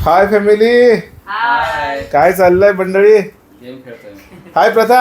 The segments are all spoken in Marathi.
हाय फॅमिली, हाय. काय चाललंय मंडळी? गेम खेळतोय. हाय प्रथा.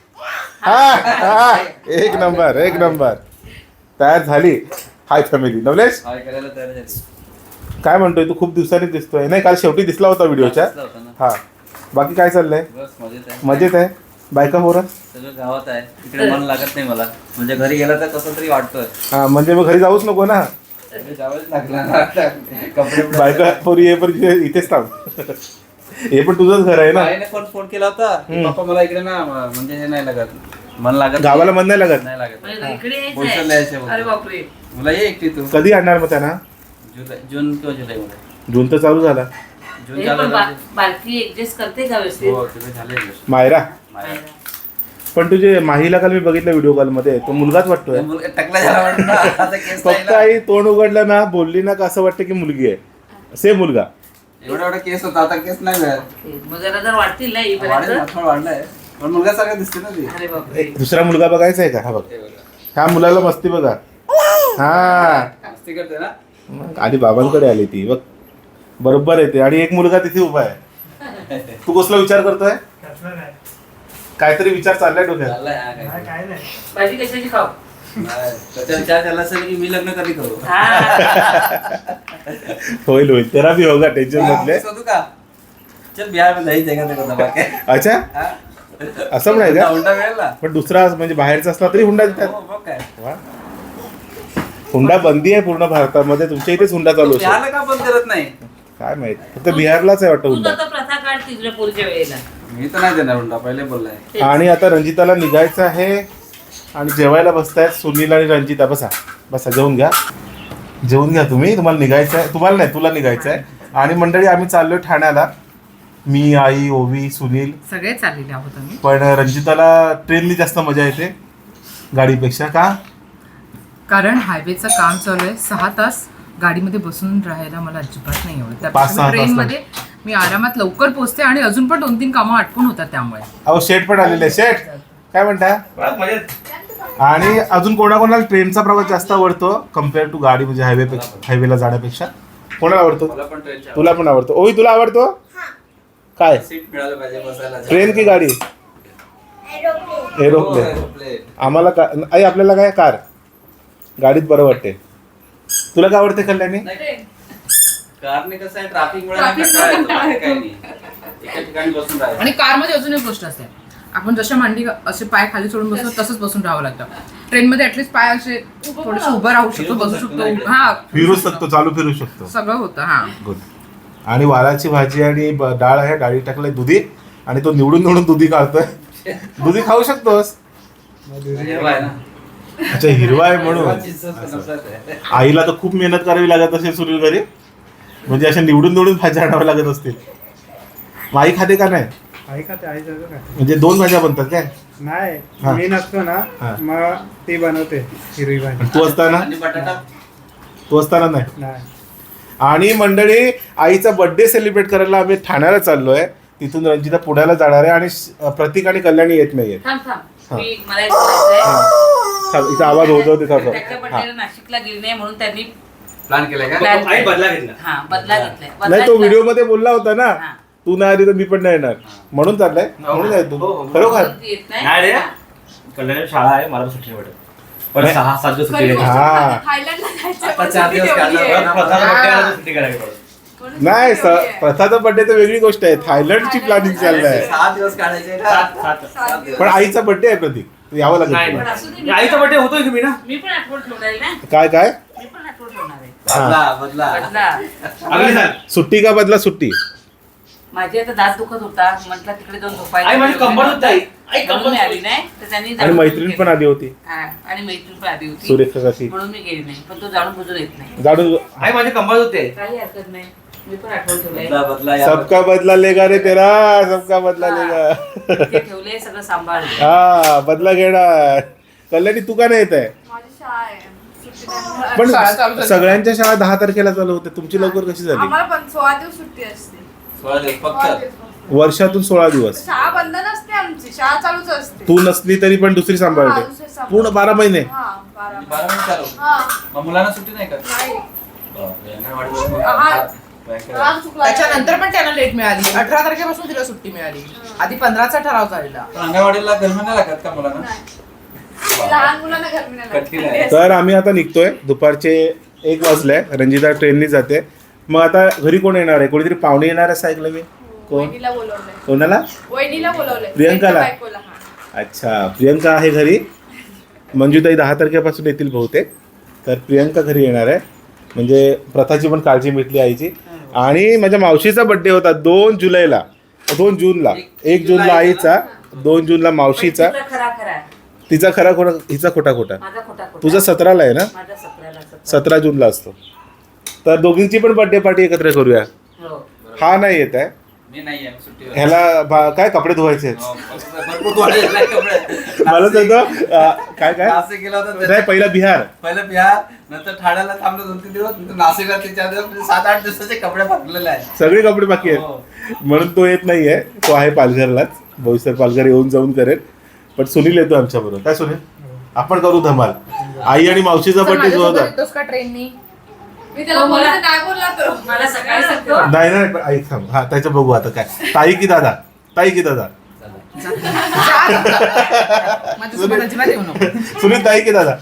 हा एक नंबर एक नंबर. तयार झाली. Hi family. नवलेश हाय करायला तयार झाली. काय म्हणतोय तू? खूप दिवसांनी दिसतोय. नाही, काल शेवटी दिसला होता व्हिडिओच्या. दिसला होता ना. हा, बाकी काय चाललंय? बस मजेत आहे. मजेत आहे. बायका पोरं सगळं गावात आहे. इकडे मन लागत नाही मला. म्हणजे घरी गेला तर कसं तरी वाटतोय. हा, म्हणजे मग घरी जाऊच नको ना. घरी जावंच लागला ना. कपडे बायका पोरी ये पण इथेच थांब. हे पण तुझंच घर आहे ना. आईने पण फोन केला होता की पप्पा मला इकडे ना म्हणजे हे नाही लागत. मन लागत गावाला मन नाही लागत. नाही लागत. इकडे बोलचाल यायचं. अरे बापरे. मुला ये एकटी तू. कधी आणणार मग त्यांना? जून किंवा जुलैमध्ये. जून तर चालू झाला. जून चालू बालकी ऍडजस्ट करते का व्यवस्थित? हो तिथे झाले. मायरा, पण तुझे माहीला काल मी बघितलं व्हिडिओ कॉल मध्ये, तो मुलगाच वाटतोय. टकला झाला वाटतं. आता केस नाही फक्त ना. आई तोंड उघडलं ना, बोलली ना, का असं वाटतं की मुलगी आहे. सेम मुलगा. एवढा केस होता, आता केस नाही मिळत. मग जरा वाढतील ना येईपर्यंत. थोडं वाढलंय पण मुलगा सारखा दिसते ना ती. अरे बापरे. दुसरा मुलगा बघायचा आहे का? हा बघ, ह्या मुलाला मस्ती बघा. हा, मस्ती करते ना. मग आधी बाबांकडे आली ती बघ, बरोबर येते. आणि एक मुलगा तिथे उभा आहे. तू कसला विचार करतोय? काहीतरी विचार चाललाय डोक्यात. चाललंय हा काय. भाजी कशाची खाऊ? नाही, त्याचा विचार केला असेल की मी लग्न कधी करू. होईल होईल, तेरा भी होगा, टेन्शन मधले. शोधू का? चल बिहार में जायचं का ते बाबा काय. अच्छा, हा? असं पण आहे का? हुंडा मिळेल ना. पण दुसरा म्हणजे बाहेरचा असला तरी हुंडा देतात. हो, मग काय. वा. हुंडा बंदी आहे पूर्ण भारतामध्ये. तुमच्या इथेच हुंडा चालू असेल. बिहारला का बंद करत नाही? काय माहित, फक्त बिहारलाच आहे वाटतं तू हुंडा. आता प्रथा काढ तिसऱ्या पोरीच्या वेळेला. मी तर नाही देणार हुंडा, पहिले बोललाय. आणि आता रंजिताला निघायचं आहे आणि जेवायला बसतायत सुनील आणि रंजिता. बसा बसा, जेवून घ्या, जेवून घ्या तुम्ही. तुम्हाला निघायचं आहे? तुम्हाला नाही, तुला निघायचं आहे. आणि मंडळी आम्ही चाललोय ठाण्याला. मी, आई, ओवी, सुनील सगळे चाललेले आहोत आम्ही. पण रंजिताला ट्रेननी जास्त मजा येते गाडीपेक्षा. का? कारण हायवेचं काम चालू आहे. 6 तास गाडीमध्ये बसून राहायला मला अजिबात नाही आवडत. 5-6 त्यापेक्षा तास ट्रेनमध्ये मी आरामात लवकर पोहोचते आणि अजून पण 2-3 कामं आटपून होतात त्यामुळे. अहो, शेठ पण आलेले. शेठ काय म्हणता? आणि अजून कोणाकोणाला ट्रेनचा प्रवास जास्त आवडतो कम्पेअर टू गाडी, म्हणजे हायवेला जाण्यापेक्षा? कोणाला आवडतो? मला पण ट्रेनच्या तुला पण आवडतो? ओही, तुला आवडतो काय? सीट मिळालं पाहिजे बसायला. ट्रेन की गाडी? एरोप्लेन. एरोप्लेन. आम्हाला आई, आपल्याला काय कार? गाडीत बरं वाटते. तुला काय आवडते कल्याणी? कारने कसं आहे, ट्रॅफिकमुळे नाही कंटाळा येतो, बाकी काही नाही. एका ठिकाणी बसून राहायचं. आणि कारमध्ये अजून एक गोष्ट असते, आपण जशा मांडी असे पाय खाली सोडून बसतो तसंच बसून राहावं लागतं. ट्रेनमध्ये ऍटलीस्ट पाय असे थोडेसे उभं राहू शकतो, बसू शकतो. हा, फिरू शकतो, चालू फिरू शकतो. सगळं होतं. हा, गुड. आणि वालाची भाजी आणि डाळ आहे. डाळी टाकलाय दुधी, आणि तो निवडून निवडून दुधी काढतोय. दुधी खाऊ शकतोस. हिरवा आहे ना. अच्छा, हिरवा आहे म्हणून. हिरवा नफरत आहे. आईला तर खूप मेहनत करावी लागत असेल सुनील घरी, म्हणजे अशा निवडून निवडून भाज्या आणाव्या लागत असतील. मग आई खाते का नाही? आई खाते, आई सगळं खाते. म्हणजे 2 भाज्या बनतात काय? हा. नाही, मी नसतो ना, हा. मग ती बनवते हिरवी भाजी. तू असताना? आणि बटाटा. तू असताना नाही. नाही, आणि मंडळी, आईचा बर्थडे सेलिब्रेट करायला आम्ही ठाण्याला चाललोय. तिथून रंजिता पुण्याला जाणार आहे आणि प्रतीक आणि कल्याणी येत नाहीये. थांब थांब. मला एक बोलायचंय. इथं आवाज होतो त्याच्या तिथं. बड्डेला नाशिकला गेली नाही म्हणून त्यांनी प्लॅन केलाय का? plan आई केला. बदला घेतला. हा, बदला घेतलाय. बदला नाही, तो घेतला. व्हिडिओ मध्ये बोलला होता ना, हा. तू नाही आली तर मी पण नाही येणार म्हणून चाललाय. म्हणून आहे तू खरोखर. म्हणून ती येत नाही रे. नाही. कल्याण शाळा आहे, मला सुट्टी नाही भेटत. पण 6-7 दिवस सुट्टी घ्यायची. हा, आता 4 दिवस काढला. परत प्रथाला birthday आला तर सुट्टी करायची पडत. नाही, प्रथाचा बर्थडे तर वेगळी गोष्ट आहे. थायलंडची प्लॅनिंग चाललाय. 6 दिवस काढायचे ना. 7 दिवस. पण आईचा बर्थडे आहे प्रतीक, तू यावं लागेल नाही, तुला. पण असू दे, मी आईचा बर्थडे होतोय की मी ना. मी पण आठवण ठेवणार आहे ना. काय काय? मी पण आठवण ठेवणार आहे. बदला. बदला. अगली साल. सुट्टी का बदला सुट्टी? माझी आता दात दुखत होता, म्हटलं तिकडे जाऊन झोपायला. आई माझी कंबर दुखत आहे. आई म्हणून कंबर मी आली नाही, तर त्यांनी आणि जाणून मैत्रीण बुजून पण आली होती, हा, आणि मैत्रीण पण आली होती. सुरेखा काकी. म्हणून मी गेली नाही, पण तो जाणून बुजून येत नाही. जाणून आई माझी कंबर दुखते. काही हरकत नाही, मी पण आठवण ठेवलंय. बदला या. सबका बदला लेगा रे तेरा, सबका बदला लेगा. ते ठेवलंय सगळं सांभाळलं. हा, बदला घेणार. कल्याणी, तू का नाही येत आहे? माझी शाळा आहे, सुट्टी नाही. पण शाळा चालू झाली. सगळ्यांच्या शाळा 10 तारखेला चालू होते, तुमची लवकर कशी झाली? आम्हाला पण 16 दिवस सुट्टी असते. 16 दिवस 16 फक्त. दिवस फक्त. वर्षातून 16 दिवस. शाळा बंद नसते आमची, शाळा चालूच असते. तू नसली तरी पण दुसरी हा, सांभाळते. दुसरे सांभाळ. पूर्ण 12 महिने. हा, 12 12 मिनिट चालू. हा, मग मुलांना सुट्टी नाही का? नाही. बापरे, नाही वाटत. हा, राग चुकला त्याच्यानंतर पण त्यांना लेट मिळाली. 18 तारखेपासून तिला सुट्टी मिळाली. आधी 15चा ठराव झालेला. पण अंगणवाडीला गरमी नाही लागत का मुलांना? नाही. लहान मुलांना गरमी नाही कटकीला लागत. आहे. तर आम्ही आता निघतोय. दुपारचे 1 वाजले. रंजिता ट्रेननी जाते. मग आता घरी कोण येणार आहे? कोणीतरी पाहुणे येणार असं ऐकलं मी. कोण? वहिनीला बोलवलंय. कोणाला? वहिनीला बोलवलंय. प्रियंकाला? त्यांच्या बायकोला, हा. अच्छा, प्रियंका आहे घरी. मंजूताई 10 तारखेपासून येतील बहुतेक. तर प्रियंका घरी येणार आहे. म्हणजे प्रथाची पण काळजी मिटली आईची. आणि माझ्या मावशीचा बर्थडे होता 2 जुलैला. 2 जूनला. 1 जूनला आईचा, 2 जूनला मावशीचा. तिचा खरा खरा तिचा खरा खोटा, हिचा खोटा खोटा. माझा खोटा खोटा. तुझा 17ला आहे ना? माझा 17ला 17 जूनला असतो. तर दोघींची पण बर्थडे पार्टी एकत्र करूया. हो. हा नाही येत आहे. मी नाही आहे सुट्टीवर. ह्याला काय कपडे धुवायचे आहेत. हो, भरपूर वाढलेला आहे कपडे. मला सांगतो काय काय नाशिक गेला होता नाही, पहिला बिहार. पहिलं बिहार, नंतर ठाण्याला थांबलो 2-3 दिवस, नंतर नाशिकला 3-4 दिवस, म्हणजे 7-8 दिवसाचे कपडे फाटलेले आहेत. सगळे कपडे बाकी आहेत. हो. म्हणून तो येत नाहीये. तो आहे पालघरलाच. भविष्यात पालघर येऊन जाऊन करेल. पण सुनील येतो आमच्या बरोबर. काय सुनील? आपण करू धमाल. आई आणि मावशीचा बर्थडे जो होता. येतोस का ट्रेननी? मी त्याला हो, मला- बोलले, नाही बोलला तो. मला सकाळी सांगतो. नाही नाही पण आई थांब. हा त्याचं बघू आता काय. ताई की दादा? ताई की दादा? माझ्यासोबत अजिबात येऊ नको. सुनील ताई की दादा?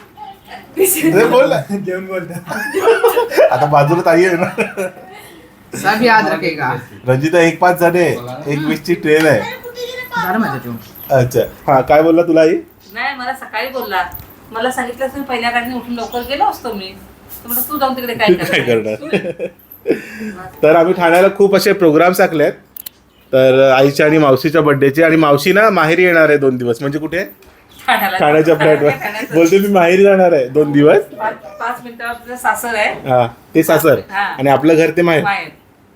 अरे बोल ना. जेवण बोलता. आता बाजूला ताई आहे ना. सब याद रखेगा. रंजिता 1:05 झाले. 1:20ची ट्रेन आहे. झालं माझं जेवण. अच्छा हा काय बोलला तुला आई? नाही मला सकाळी बोलला. मला सांगितलं असं पहिल्या गाडीने उठून लवकर गेलो असतो मी. तर म्हटलं तू जाऊन तिकडे काय काय करणार? करणार? तर आम्ही ठाण्याला खूप असे प्रोग्राम्स आखलेत. तर आईच्या आणि मावशीच्या बर्थडेचे. आणि मावशी ना माहेरी येणार आहे 2 दिवस. म्हणजे कुठे? ठाण्याच्या फ्लॅटवर. बोलते मी माहेरी जाणार आहे 2 दिवस. 5 मिनिटावर तुझं सासर आहे. हा ते सासर. हा. आणि आपलं घर ते माहेर. माहेर.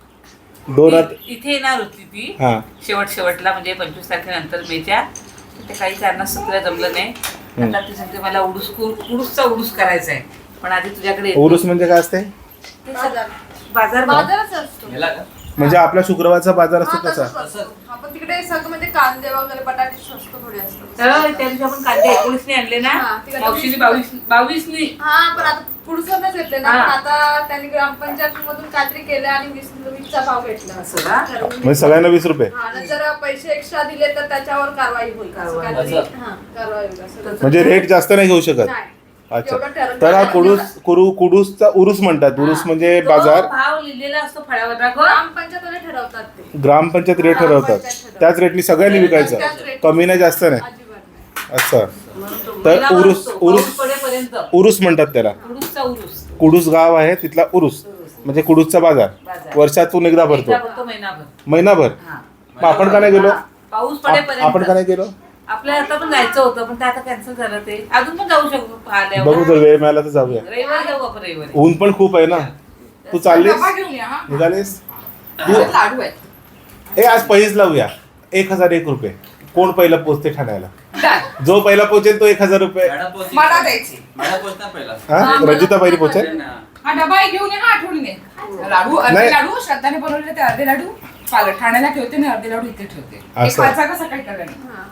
2 इथे येणार होती ती हा शेवटला म्हणजे 25 तारखेनंतर मेच्या. ते काही कारणास्तव तिला जमलं नाही. आता ती सांगते मला उडूसचा उडूस करायचा आहे. पण आधी तुझ्याकडे येतो. उरूस म्हणजे काय असते? ते बाजार. बाजार बाजारच असतो. गेला का? म्हणजे आपला शुक्रवारचा बाजार असतो हा, तसा. तसंच असतो. आपण तिकडे सगळं म्हणजे कांदे वगैरे बटाटे स्वस्त थोडे असतात. तर त्या दिवशी आपण कांदे 19 आणले ना. हा, तिला मावशीने 22. 22 हा पण आता पुढचं येते ना. हा. पण आता त्यांनी ग्रामपंचायत मधून काहीतरी केलं आणि 20चा भाव भेटला. असं का? म्हणजे सगळ्यांना 20 रुपये. हा, आणि जर पैसे एक्स्ट्रा दिले तर त्याच्यावर कारवाई होईल. असं काहीतरी. हा, कारवाई होईल असं. म्हणजे रेट जास्त नाही घेऊ शकत. नाही. अच्छा. जेवढं ठरवलं तर हा तेवढं. कुडूसचा उरूस म्हणतात. उरूस म्हणजे तो बाजार. भाव लिहिलेला असतो फळ्यावर राघव. ग्रामपंचायतवाले ठरवतात ते. ग्रामपंचायत रेट ठरवतात. त्याच रेटनी सगळ्यांनी विकायचं. कमी नाही जास्त नाही. अजिबात नाही. असं. तर उरूस पडेपर्यंत उरूस म्हणतात त्याला. उडूसचा उरूस. कुडूस गाव आहे तिथला उरूस. म्हणजे कुडूसचा बाजार. बाजार. वर्षातून एकदा भरतो. एकदा भरतो महिनाभर. महिनाभर. हा. मग आपण का नाही गेलो? पाऊस आपण पडेपर्यंत. का नाही गेलो? आपल्याला आता पण जायचं होतं पण ते आता कॅन्सल झालं. ते अजून पण जाऊ शकतो बघू आल्यावर. जर वेळ मिळाला तर जाऊया. रविवारी जाऊ आपण रविवारी. ऊन पण खूप आहे ना. तू चाललीस? डबा घेऊन या, हा. निघालीस? त्याच्यात लाडू आहेत. आज पैस लावूया. 1001 रुपये. कोण पहिला पोचते ठाण्याला? डन. जो पहिला पोचेल तो 1000 रुपये. मॅडम पोहोचली. मला द्यायची. मॅडम पोहोचणार पहिला. हा रंजिता पहिली पोचेल. हा डबा घेऊन ये, हा आठवणीने. लाडू अर्धे नाही. लाडू श्रद्धाने बनवलेले ते अर्धे लाडू ठाण्याला ठेवते आणि अर्धे लाडू इथे ठेवते. एक असं. वाचा का सकाळी करायला. हा.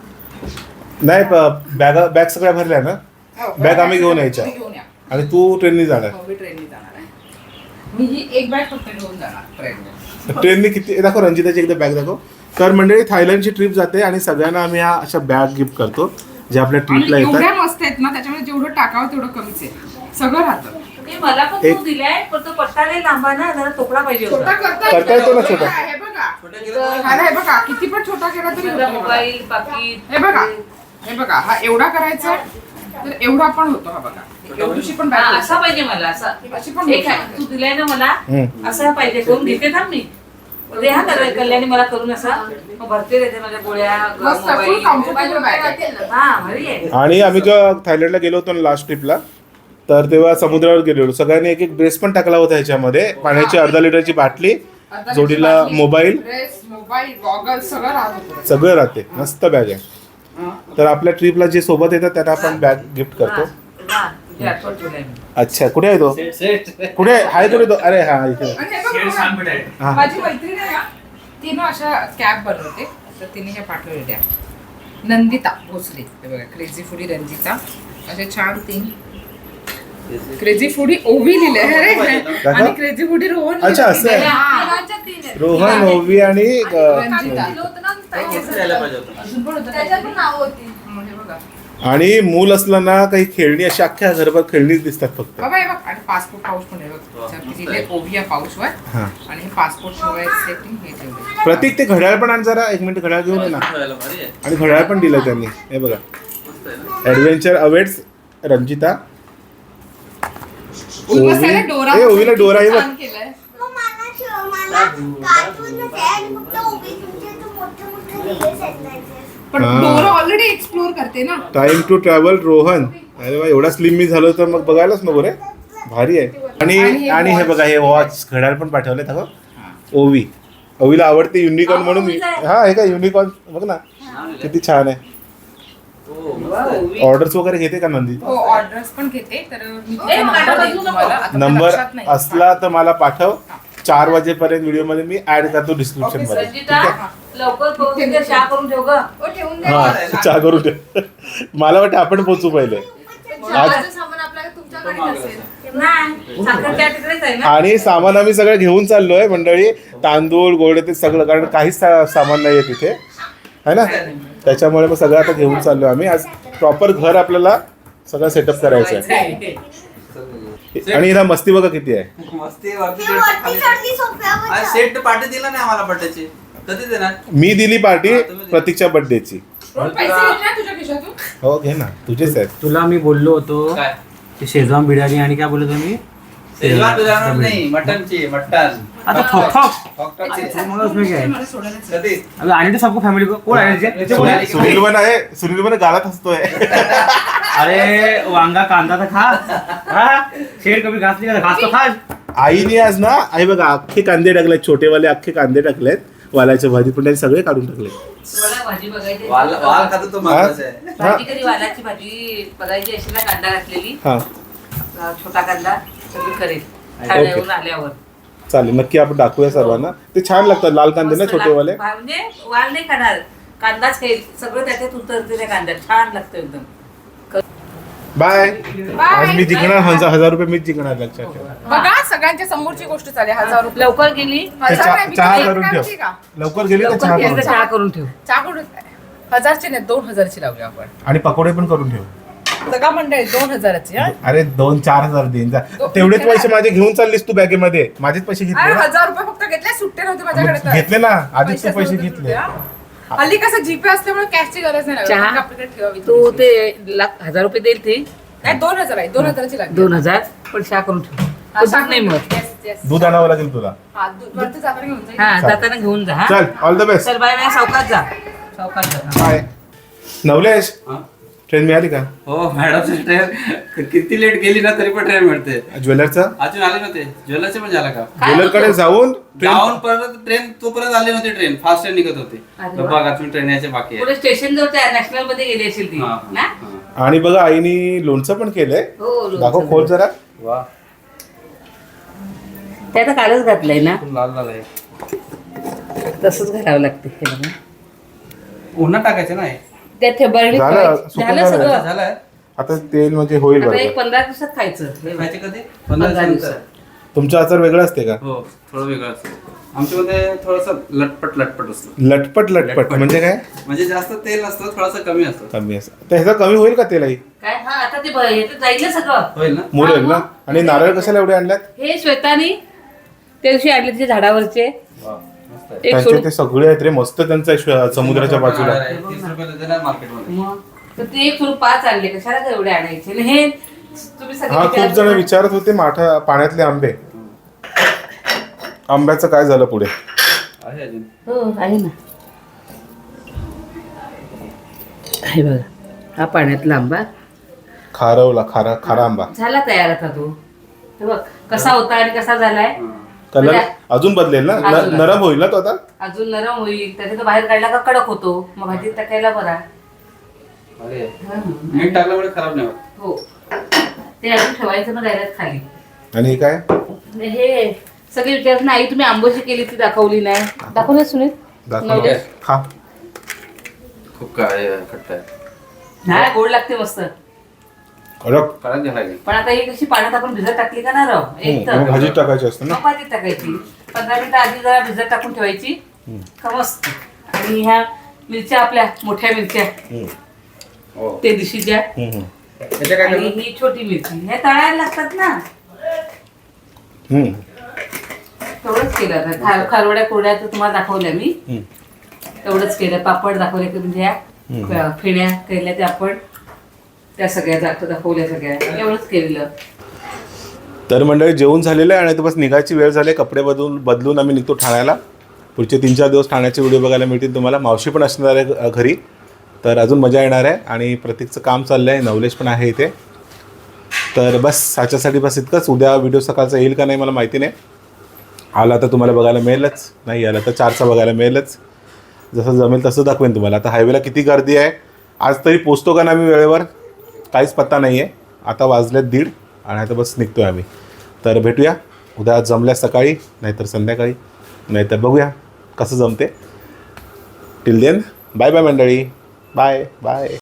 नाही बॅग सगळ्या भरल्या ना. बॅग आम्ही घेऊन यायच्या. तुम्ही घेऊन या. आणि तू ट्रेननी जाणार. हो, मी ट्रेनने जाणार आहे. मी ही एक बॅग फक्त घेऊन जाणार ट्रेनने. ट्रेनने किती दाखव रंजिताची एकदा बॅग दाखव. तर मंडळी थायलंडची ट्रिप जाते आणि सगळ्यांना आम्ही ह्या अशा बॅग गिफ्ट करतो जे आपल्या ट्रिपला आणि येतात. एवढ्या मस्त आहेत ना त्याच्यामुळे जेवढं टाकावं तेवढं कमीच आहे. सगळं राहतं. ते मला पण एक- तू दिलाय पण तो पट्टा नाही लांबा ना जरा तोकडा पाहिजे छोटा होता. करता येतो ना छोटा. हे बघा. छोटा केलं तर- हा, हे बघा किती पण छोटा केला तरी माझा होतो. मोबाईल पाकिट हे बघा. हे बघा हा एवढा करायचा तर एवढा पण होतो. हा बघा एवढीशी पण हा, बॅग असा पाहिजे मला असा. अशी पण एक होऊ आहे, तू दिलाय ना मला हम्म. असा पाहिजे करून घेते थांब मी. दे हा कल्याणी मला करून असा मग भरते देते माझ्या गोळ्या मस्त, full मोबाईल. comfortable bag आहे. राहतील ना. हा भारी आहे. आणि आम्ही जेव्हा थायलंडला गेलो होतो ना लास्ट ट्रिपला तर तेव्हा समुद्रावर गेलेलो. सगळ्यांनी एक एक ड्रेस पण टाकला होता ह्याच्यामध्ये. पाण्याची 1/2 लिटरची बाटली. आता जोडीला बाटली, मोबाईल. ड्रेस, मोबाईल, गॉगल सगळं राहत होतं. सगळं राहते. मस्त बॅग आहे. तर आपल्या ट्रिपला जे सोबत येतात त्यांना आपण बॅग गिफ्ट करतो. हा, तुझी आठवण ठेवलंय मी. अच्छा कुठे आहे तो? सेट कुठे आहे कुठे तो? अरे हा इथे. आणि हे बघा, शेड छान भेटाय. हा. माझी मैत्रीण आहे ना तिनं अशा कॅब बनवते तर तिने हे पाठवलेल्या. नंदिता भोसले. हे बघा क्रेझी फुडी रंजिता. असे छान 3 क्रेझी फूडी ओवी लिहिलंय अरे आणि क्रेझी फूडी रोहन अच्छा, असं आहे. तिघांच्या 3 आहेत. रोहन, ओवी आणि रंजिता. दिलं होतं ना ताई. असं द्यायला पाहिजे होतं. अजून पण होतं त्याच्यात पण नाव होती. हे बघा आणि मूल असलं ना काही खेळणी अशी अख्ख्या घरभर खेळणीच दिसतात फक्त. बाबा हे बघ आणि पासपोर्ट पाऊच पण आहे बघ त्याच्यावरती लिहिलंय ओवी या पाऊचवर हा. आणि हे पासपोर्ट ठेवायसाठी हे ठेवलंय. प्रतीक ते घड्याळ पण आण जरा, 1 मिनिट घड्याळ घेऊन ये ना. ठेवायला भारी आहे. आणि घड्याळ पण दिलं त्यांनी, हे बघा. मस्त आहे ना. Adventure awaits Ranjita. उल्हासाला डोरा ए, ओवीला डोरा आहे बघ. छान केलंय. पण हा. डोरा ऑलरेडी एक्सप्लोर करते ना. Time to travel Rohan. अरे वा, एवढा स्लिम मी झालो तर मग बघायलाच नको रे. भारी आहे. आणि हे बघा, हे वॉच घड्याळ पण पाठवले था ओवी. ओवीला आवडते युनिकॉर्न म्हणून. हा, हे काय युनिकॉर्न बघ ना, किती छान आहे. हो, मस्त आहे. ऑर्डर्स वगैरे घेते का नंदी? हो ऑर्डर्स पण घेते तर मी तिचा नंबर देईन तुम्हाला. आता मला नंबर लक्षात नाही. असला तर मला पाठव. 4 वाजेपर्यंत व्हिडिओ मध्ये मी ऍड करतो डिस्क्रिप्शन मध्ये. रंजिता लवकर पोहोचून दे, चहा करून ठेव ग. ओ, ठेवून द्या. हा, चहा करून ठेव. मला वाटतं आपण पोहोचू पहिले. चहाचं सामान आपल्याला तुमच्याकडेच असेल. नाही साखर चहा तिकडेच आहे ना. आणि सामान आम्ही सगळं घेऊन चाललोय मंडळी. तांदूळ गोळे ते सगळं, कारण काहीच सामान नाहीये तिथे, है ना. त्याच्यामुळे मग सगळं आता घेऊन चाललोय आम्ही. आज प्रॉपर घर आपल्याला सगळं सेटअप करायचं आहे. आणि हिला मस्ती बघा किती आहे. मस्ती वरती खाली. आज सेट पार्टी दिला नाही आम्हाला बर्थडेची. कधी देणार? मी दिली पार्टी प्रतीकच्या बर्थडेची. रोहन, पैसे घेतले ना तुझ्या खिशातून? हो, घे ना, तुझेच आहेत. तुला मी बोललो होतो काय? की शेजवान बिर्याणी आणि काय बोललो तुम्ही शेजवान बिर्याणी नाही, मटनची. मटन आता ठोक फॉक्टरची. मग उसमें क्या है? मला सोडायला चल. कधी? अबे आने तो सबको फैमिली को कोण आहे सुनील पण गालात हसतोय. अरे वांगा कांदा तर खा हा? शेर कभी घास नाही खाता, घास तो खा. आईने आज ना, आई बघा अख्खे कांदे टाकलेत, छोटेवाले अख्खे कांदे टाकलेत वालाच्या भाजी, पण त्यांनी सगळे काढून टाकले. तुम्हाला भाजी बघायची वाल खातो तो महत्वाचा आहे. भाजी कधी वालाची भाजी बघायची अशी ना, कांदा घातलेली हा, छोटा कांदा सगळी करेल ओके. ठाण्याहून आल्यावर. चालेल, नक्की आपण दाखवूया सर्वांना. ते छान लागतात लाल कांदे ना, मस्त छोटेवाले. म्हणजे वाल नाही खाणार, कांदाच खाईल. सगळं त्याच्यात उतरते त्या कांद्यात, छान लागतं एकदम. बाय. आज मी जिंकणार 1000 रुपये, मीच जिंकणार, लक्षात ठेवा. बघा सगळ्यांच्या समोरची गोष्ट चालेल. 1000 रुपये लवकर गेली ते 1000 नाही, मी चहा एक करून ग्रॅमची ठेव. का? लवकर गेली तर लवकर चहा गेली करून तर ठेव. चहा करून ठेव. चहा करून 1000ची नाही 2000ची लावली आपण. आणि पकोडे पण करून ठेव. सगळा मंडळी 2000ची. हा अरे 2-4 देईन जा. तेवढेच पैसे माझे घेऊन चाललीस तू बॅगेमध्ये. माझेच पैसे घेतले अरे ना. 1000 रुपये फक्त घेतले, सुट्टे नव्हते माझ्याकडे तर. घेतले ना, आधीच तू पैसे नव्हते घेतले. सुट्टे, हा. हल्ली कसं जीपे असल्यामुळे कॅशची गरज नाही लागत. चहा? फक्त आपल्याकडे ठेवावी तू थोडीशी. ते 1000 रुपये देईल ती नाही 2000 आहे, 2000ची लागली. 2000 पण चहा करून ठेव. हा, दूध नाही मग. Yes, yes. दूध आणावं लागेल तुला. हा, दूध वरती जाताना घेऊन जाईल. हा जाताना घेऊन जा. हा चल, ऑल द बेस्ट. चल बाय बाय. सावकाश जा, सावकाश जा. बाय. नवलेश, हा? ट्रेन मिळाली का? हो मॅडम, ट्रेन किती लेट गेली ना तरी पण ट्रेन मिळते. ज्वेलरचा अजून आले नव्हते. ज्वेलरचे पण झाला का? ज्वेलरकडे जाऊन जाऊन परत ट्रेन तोपर्यंत आली नव्हती. ट्रेन फास्ट ट्रेन निघत होती. अरे तर वा. बघ अजून ट्रेन यायचे बाकी आहे. पुढे स्टेशन जवळ नॅशनल मध्ये गेली असेल ती हा, ना. हा. आणि बघा आईनी लोणचं पण केलंय. हो लोणचं. दाखव, खोल जरा. वा, ते आता कालच घातलंय ना, खूप लाल लाल आहे. तसंच घालावं लागते हे बघा. उन्हात टाकायचं ना हे. त्यात बरणी झालं, सुकं झालं झालं. सगळं. झालंय. आता तेल म्हणजे होईल आता एक बरोबर. 15 दिवसात खायचं. खायचे कधी? 15 15 दिवसात. दिवसात. तुमचा आचार वेगळा असते का? हो, थोडं वेगळं असतं. आमच्यामध्ये थोडंसं लटपट लटपट असतं. लटपट लटपट म्हणजे काय? म्हणजे जास्त तेल नसतं, थोडंसं कमी असतं. कमी असं. तर ह्याचा कमी होईल का तेल आई? काय हा आता ते ह्याच्यात जाईल ना सगळं. होईल ना? मुरेल ना. आणि नारळ कशाला एवढे आणल्यात? हे श्वेतानी त्या दिवशी आणले तिच्या झाडावरचे वा, मस्त आहे. एक त्यांचे सोडून ते सगळे आहेत रे, मस्त त्यांचा समुद्राच्या बाजूला. 30 रुपयाला देणार मार्केटमध्ये. मग तर ते एक सोडून 5 आणले. कशाला काय एवढे आणायचे? आणि हे तुम्ही सगळे हा, खूप विचारायचं जण ना. विचारत होते माठा पाण्यातले आंबे. आंब्याचं काय झालं पुढे? आहे अजून. हो आहे ना. हे बघा हा पाण्यातला आंबा खारवला, खारा आंबा. झाला तयार आता तो. हे बघ कसा होता आणि कसा झालाय. कलर म्हणजे अजून बदलेल ना, अजून. नरम होईल ना तो आता. अजून नरम होईल. त्याचा तो बाहेर काढला का कडक होतो, मग भाजीत टाकायला बरा. अरे, हा. मीठ टाकल्यामुळे खराब नाही होत. हो ते अजून ठेवायचं ना डायरेक्ट खाली. आणि हे काय? हे सगळे विचारत ना आई तुम्ही आंबोशी केली ती दाखवली नाही. दाखवलं सुनील? दाखव. नवलेश? खा. खूप काय खट्ट आहे. हा गोड लागते मस्त. कडक. कडक झाला की. पण आता ही कशी पाण्यात आपण भिजत टाकली का ना रव एक मग तर भाजीत टाकायची असते ना. मग भाजीत टाकायची 15 मिनिटं आधी जरा भिजत टाकून ठेवायची का मस्त. आणि ह्या मिरच्या आपल्या मोठ्या मिरच्या हो. ते दिशीच्या त्याच्या काय आणि करतो? ही छोटी मिरची हे तळायला लागतात ना. तेवढंच केलं आता खारवड्या कोरड्या तर तुम्हाला दाखवल्या मी. तेवढंच केलं. पापड दाखवले की म्हणजे ह्या फेण्या केल्या त्या आपण त्या सगळ्या दाखवल्या सगळ्या एवढंच केलेलं. तर मंडळी जेवण झालेलं आहे आणि आता बस निघायची वेळ झाली. कपडे बदलून आम्ही निघतो ठाण्याला. पुढचे 3-4 दिवस ठाण्याचे व्हिडिओ बघायला मिळतील तुम्हाला. मावशी पण असणार आहे घरी, तर अजून मजा येणार आहे. आणि प्रतीकचं काम चाललं आहे, नवलेश पण आहे इथे. तर बस ह्याच्यासाठी बस इतकंच. उद्या व्हिडिओ सकाळचा येईल का नाही मला माहिती नाही. आला तर तुम्हाला बघायला मिळेलच, नाही आला तर 4चा बघायला मिळेलच. जसं जमेल तसं दाखवेन तुम्हाला. आता हायवेला किती गर्दी आहे, आज तरी पोचतो का ना आम्ही वेळेवर काहीच पत्ता नाही आहे. आता वाजलेत 1:30 आणि आता बस निघतो आहे आम्ही. तर भेटूया उद्या जमल्या सकाळी, नाहीतर संध्याकाळी, नाहीतर बघूया कसं जमते. टिल देन बाय बाय मंडळी. Bye bye.